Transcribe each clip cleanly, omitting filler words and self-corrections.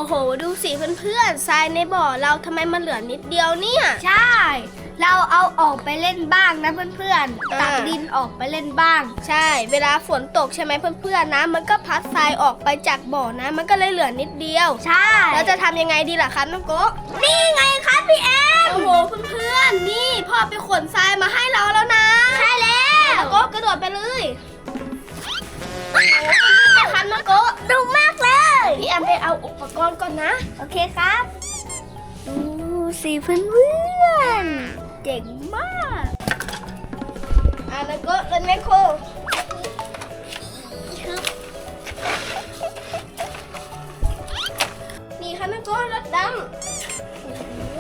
โหดูสิเพื่อนๆทรายในบ่อเราทำไมมันเหลือนิดเดียวเนี่ยใช่เราเอาออกไปเล่นบ้างนะเพื่อนๆตักดินออกไปเล่นบ้างใช่เวลาฝนตกใช่ไหมเพื่อนๆนะมันก็พัดทรายออกไปจากบ่อนะมันก็เลยเหลือนิดเดียวใช่แล้วจะทำยังไงดีล่ะครับน้องโกะนี่ไงครับพี่แอมโอ้โหเพื่อนๆนี่พ่อไปขนทรายมาให้เราแล้วนะใช่แล้วโกะกระโดดไปเลยโอ้โหครับน้องโกะดุมากเลยพี่แอมไปเอาอุปกรณ์ก่อนนะโอเคครับดูสิเพื่อนๆเจ๋งมากน้องโกะเล่นแมคโครนี่ค่ะน้องโกะรถดำโอ้โห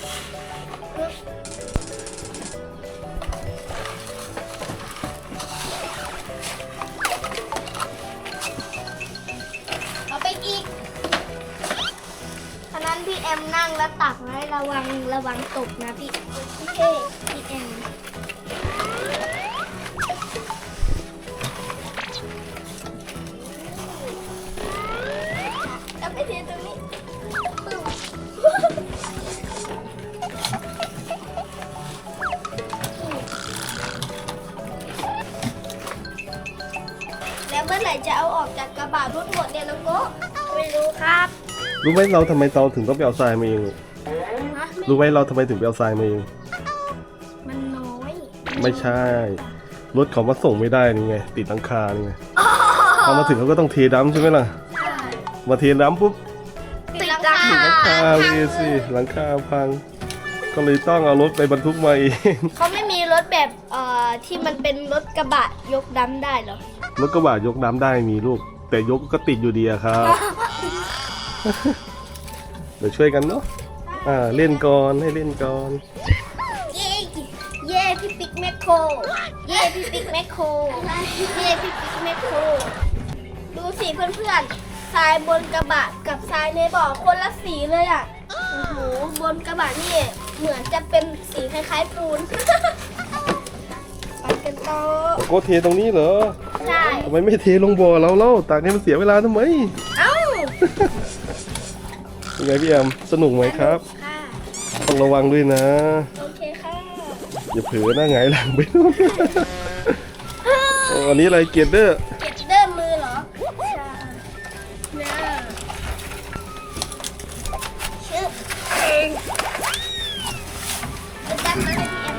เอาไปอีกฉะนั้นพี่แอมนั่งแล้วตักนะระวังตกนะพี่แอมเอาไปเทตรงนี้แล้วเมื่อไหร่จะเอาออกจากกระบะรถหมดเนี่ยน้องโกะไม่รู้ครับรู้ไหมเราทำไมเราถึงต้องไปเอาทรายมาเองรู้ไหมเราทำไมถึงไปเอาทรายมาเองมันน้อยไม่ใช่รถเขามาส่งไม่ได้นี่ไงติดหลังคานี่ไงพอมาถึงเขาก็ต้องเทดัมใช่ไหมล่ะมาเทดัมปุ๊บติดหลังคาหลังคาเลยสิหลังคาพังก็เลยต้องเอารถไปบรรทุกมาเองเขาไม่มีรถแบบที่มันเป็นรถกระบะยกดัมได้เหรอรถกระบะยกน้ำได้มีลูกแต่ยกก็ติดอยู่ดีอะครับ เดี๋ยวช่วยกันเนาะเล่นก่อนให้เล่นก่อนเย่พี่ปิ๊กแมคโครเย่พี่ปิ๊กแมคโครเย่พี่ปิ๊กแมคโครดูสิเพื่อนๆทรายบนกระบะกับทรายในบ่อคนละสีเลยอ่ะโอ้โหบนกระบะนี่เหมือนจะเป็นสีคล้ายๆปูน ไปกันต่อโกเทตรงนี้เหรอใช่ทำไมไม่เทลงบ่อเราเล่าตากให้มันเสียเวลาทำไมเอ้าเป็นไงพี่แอมสนุกไหมครับค่ะต้องระวังด้วยนะโอเคค่ะอย่าเผลอหน้าหงายหลังไปนู่นอันนี้อะไรเกียร์เดอร์มือเหรอใช่เนี่ยชื่อเองจะตั้งมาให้พี่แอม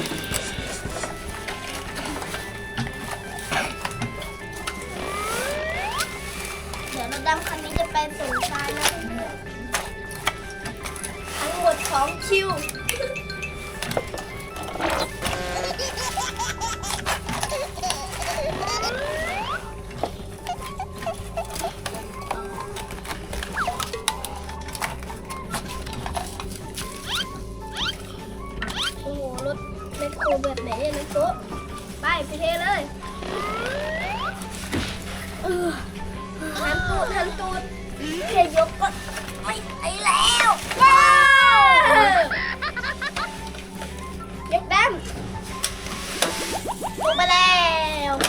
เดี๋ยวรถดำคันนี้จะไปส่งทรายนะทั้งหมด2 คิวรถแมคโครแบบไหนเนี่ยนะโต๊ะไปเทเลยหันตูดแค่ยกก็ไม่ไอแล้วว้าวยกดันลงไปแล้วโอเค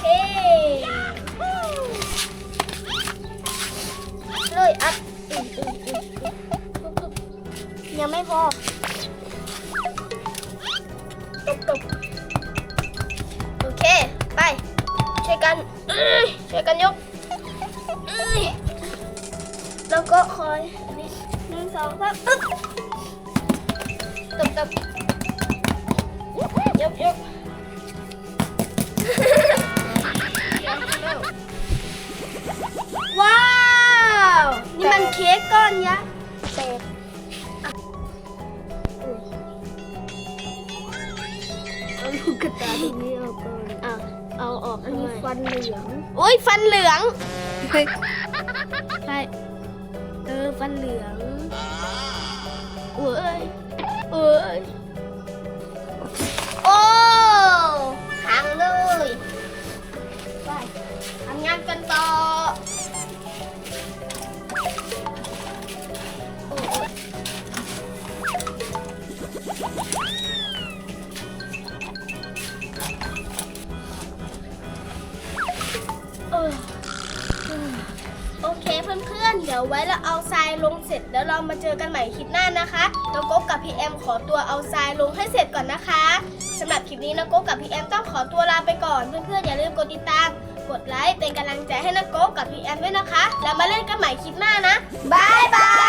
เลยอัดยังไม่พอตบโอเคไปช่วยกันยกแล้วก็คอยนี่1 2 3ตบยกว้าวนี่มันเค้กก้อนยักษ์เอาลูกกระตาตรงนี้ออกก่อนเอาออกอันนี้ฟันเหลืองโอ้ยฟันเหลืองใช่ฟันเหลืองโอ้ยโอ้หังเลยไปทำงานกันต่อโอเคเพื่อนๆเดี๋ยวไว้เราเอาทรายลงเสร็จแล้วเรามาเจอกันใหม่คลิปหน้านะคะน้องโก๊กกับพี่แอมขอตัวเอาทรายลงให้เสร็จก่อนนะคะสำหรับคลิปนี้น้องโก๊กกับพี่แอมต้องขอตัวลาไปก่อนเพื่อนๆอย่าลืมกดติดตามกดไลค์เป็นกำลังใจให้น้องโก๊กกับพี่แอมด้วยนะคะแล้วมาเล่นกันใหม่คลิปหน้านะบ๊ายบาย